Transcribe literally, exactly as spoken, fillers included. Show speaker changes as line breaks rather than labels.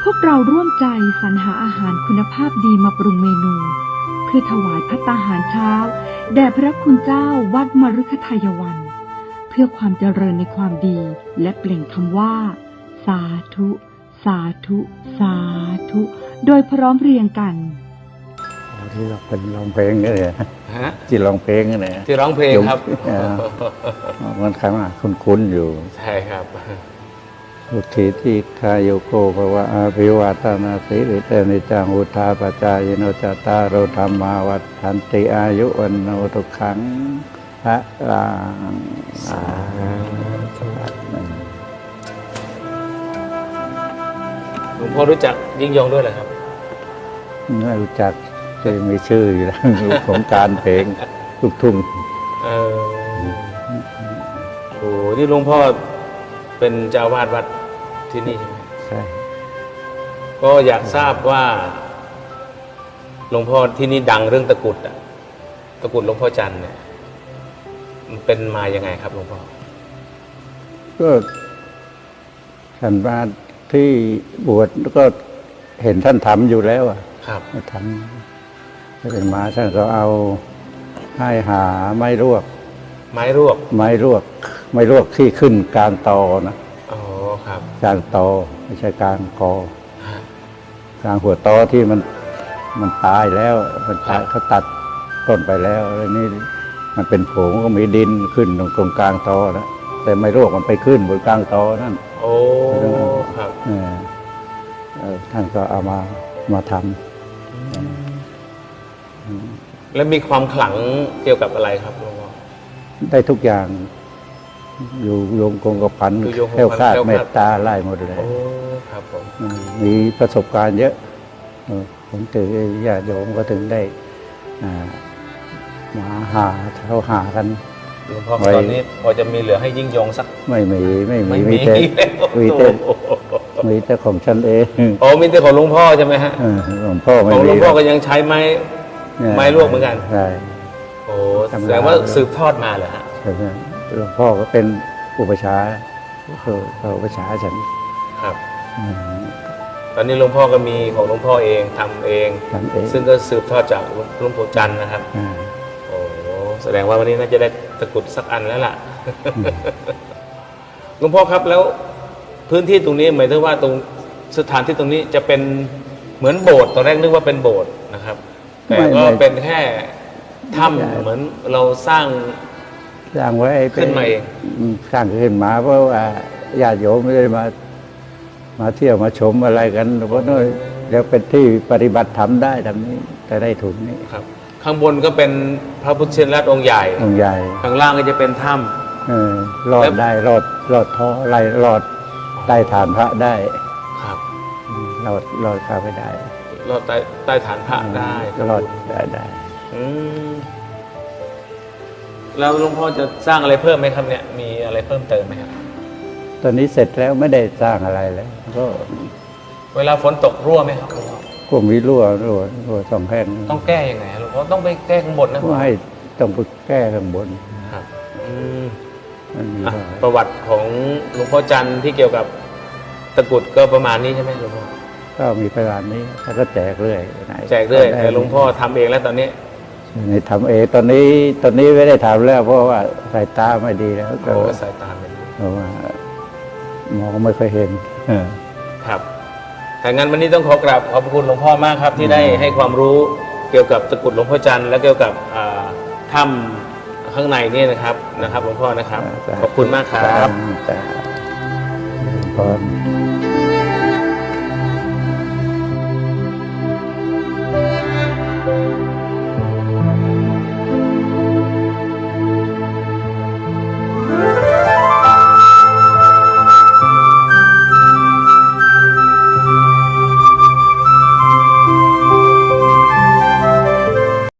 พวกเราร่วมใจสรรหาอาหารคุณภาพดีมาปรุงเมนูเพื่อถวายภัตตาหารเช้าแด่พระคุณเจ้าวัดมฤคทายวันเพื่อความเจริญในความดีและเปล่งคำว่าสาธุสาธุสาธุโดยพร้อมเพรียงกัน
ที่เราเป็นร้องเพลงนี่แหละ
ฮะ
ที่ร้องเพลงนี่แหละ
ที่ร้องเพลงครับ
มันคำว่าคุ้นๆอยู่
ใช่ครับ
อุทิทิคายโยโกภวะอาภิวาทนาสิริเตนิจังอุทาปจายโนจตารโรธรรมาวัฏันติอายุวันโนทุกขังพระลังสาธุ
หลวงพ่อรู้จักยิ่งยงด้วยเหรอครับ
ไม่รู้จักจะมีชื่ออยู่แล้วของการเพลงลูกทุ่ง
เออโอ้ที่หลวงพ่อเป็นเจ้าวาดวัดที่นี่ใช่ไหม
ใช่
ก็อยากทราบว่าหลวงพ่อที่นี่ดังเรื่องตะกุดอะตะกุดหลวงพ่อจันทร์เนี่ยมันเป็นมายังไงครับหลวงพ่อ
ก็ท่านมาที่บวชก็เห็นท่านทำอยู่แล้วอ่ะ
ครับ
ทำถ้าเป็นมาท่านก็เอาให้หาไม้รวก
ไม้รวก
ไม้รวกไม้รวกที่ขึ้นกลางตอนะ
อ๋อครับ
กลางตอไม่ใช่กลางคอกลางหัวตอที่มันมันตายแล้วมันตายเขาตัดต้นไปแล้วแล้วนี่มันเป็นผงก็มีดินขึ้นตรงตรงกลางตอนะแต่ไม้รวกมันไปขึ้นบนกลางตอนั่น
โอ้ครับ
เออท่านก็เอามามาทำ
แล้วมีความขลังเกี่ยวกับอะไรครับหลวงพ่อ
ได้ทุกอย่างอยู่โยงคงกระพันแค่วคาดเมตตาไล่หมดเลย
โอ้ครับผม
มีประสบการณ์เยอะผมถือญาติโยมก็ถึงได้มาหาเขาหากัน
หลวงพ่อตอนนี้พอจะมีเหลือให้ยิ่งยงสัก
ไม่มีไม่มีมีแต่มีแต่มีแต่ของฉันเอง
โอ้มีแต่ของหลวงพ่อใช่ไหมฮะ
หลวงพ่อ
ของหลวงพ่อก็ยังใช้ไม้ไม้ลวกเหมือนกัน
ใช่
โอ้แสดงว่าสืบทอดมาเหรอฮะ
ใช่ไหมหลวงพ่อก็เป็นอุปชาคืออุปชาฉัน
ครับตอนนี้หลวงพ่อก็มีของหลวงพ่อเองทำเองซึ่งก็สืบทอดจากหลวงปู่จันทร์นะครับโอ้แสดงว่าวันนี้น่าจะได้ตะกุดสักอันแล้วล่ะหลวงพ่อครับแล้วพื้นที่ตรงนี้หมายถึงว่าตรงสถานที่ตรงนี้จะเป็นเหมือนโบสถ์ตอนแรกนึกว่าเป็นโบสถ์นะครับแต่ก็เป็นแค่ถ้ำเหมือนเราสร้าง
สร้างไว้
ขึ้นมาเอง
สร้างขึ้นมาเพราะว่าญาติโยมไม่ได้มามาเที่ยวมาชมอะไรกันเพราะนั่นแล้วเป็นที่ปฏิบัติธรรมได้ทำนี้แต่ได้ทุนนี้
ครับข้างบนก็เป็นพระพุทธชินราชองค์ใหญ่
องค์ใหญ่
ข้างล่างก็จะเป็นถ้ำ
เออรอดได้รอดรอดท้อไรรอดใต้ฐานพระได้
ครับ
รอดรอดเข้าไปได้
รอดใต้ใต้ฐานพระได้
รอดได้ได้
อืมแล้วหลวงพ่อจะสร้างอะไรเพิ่มไหมครับเนี่ยมีอะไรเพิ่มเติมไหมครับ
ตอนนี้เสร็จแล้วไม่ได้สร้างอะไรแล้วก็
เวลาฝนตกรั่วไหมครับ
ก็มีรั่วรั่วรั่วสองแห่ง
ต้องแก้ยังไงหลวงพ่อต้องไปแก้ข้างบนนะ
ก็ให้ต้องไปแก้ข้างบน
ครับอืมประวัติของหลวงพ่อจันทร์ที่เกี่ยวกับตะกุดก็ประมาณนี้ใช่ไหมหลวงพ่อ
ก็มีประมาณนี้แล้วก็แจกเรื่อย
แจกเรื่อยแต่หลวงพ่อทำเองแล้วตอนนี้
นี่ทำเองตอนนี้ตอนนี้ไม่ได้ทำแล้วเพราะว่าสายตาไม่ดีแล้ว
ก็สายตาไม่ดี
เพราะว่ามองไม่ค่อยเห็น
ครับถ้างั้นวันนี้ต้องขอกราบขอบคุณหลวงพ่อมากครับที่ได้ให้ความรู้เกี่ยวกับตะกุดหลวงพ่อจันทร์และเกี่ยวกับถ้ำข้างในนี่นะครับนะครับหลวงพ่อนะครับขอบคุณมากครับ
แต่